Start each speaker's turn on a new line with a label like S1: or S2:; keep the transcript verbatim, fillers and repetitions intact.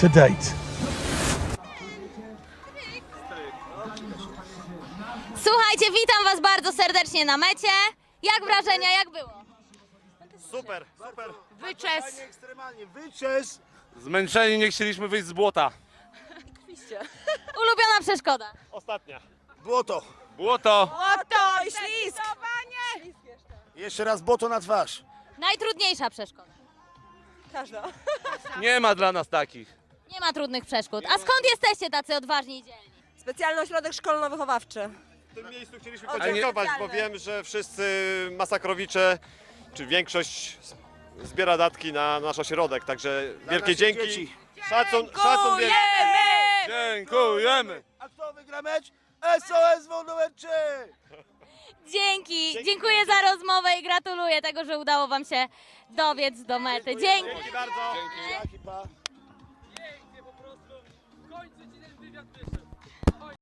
S1: to date.
S2: Słuchajcie, witam was bardzo serdecznie na mecie. Jak wrażenia, jak było?
S3: Super, super.
S4: Wyczes.
S3: Ekstremalnie, wyczes.
S5: Zmęczeni, nie chcieliśmy wyjść z błota.
S2: Ulubiona przeszkoda?
S3: Ostatnia. Błoto.
S5: Błoto.
S4: Oto i ślisk.
S3: Jeszcze raz błoto na twarz.
S2: Najtrudniejsza przeszkoda?
S4: Każda.
S5: Nie ma dla nas takich.
S2: Nie ma trudnych przeszkód. A skąd jesteście tacy odważni i dzielni?
S4: Specjalny ośrodek szkolno-wychowawczy.
S3: W tym miejscu chcieliśmy
S4: O,
S3: podziękować, bo
S4: specjalne.
S3: wiem, że wszyscy masakrowicze, czy większość zbiera datki na nasz ośrodek, także wielkie dzięki. Szacun, szacun wielki.
S5: Dziękujemy.
S3: A kto wygra mecz? S O S W numer trzy.
S2: Dzięki, dziękuję za rozmowę i gratuluję tego, że udało wam się dobiec do mety. Dzięki.
S3: Dzięki bardzo. Dzięki.
S5: Pięknie po prostu. W końcu ci ten wywiad wyszedł.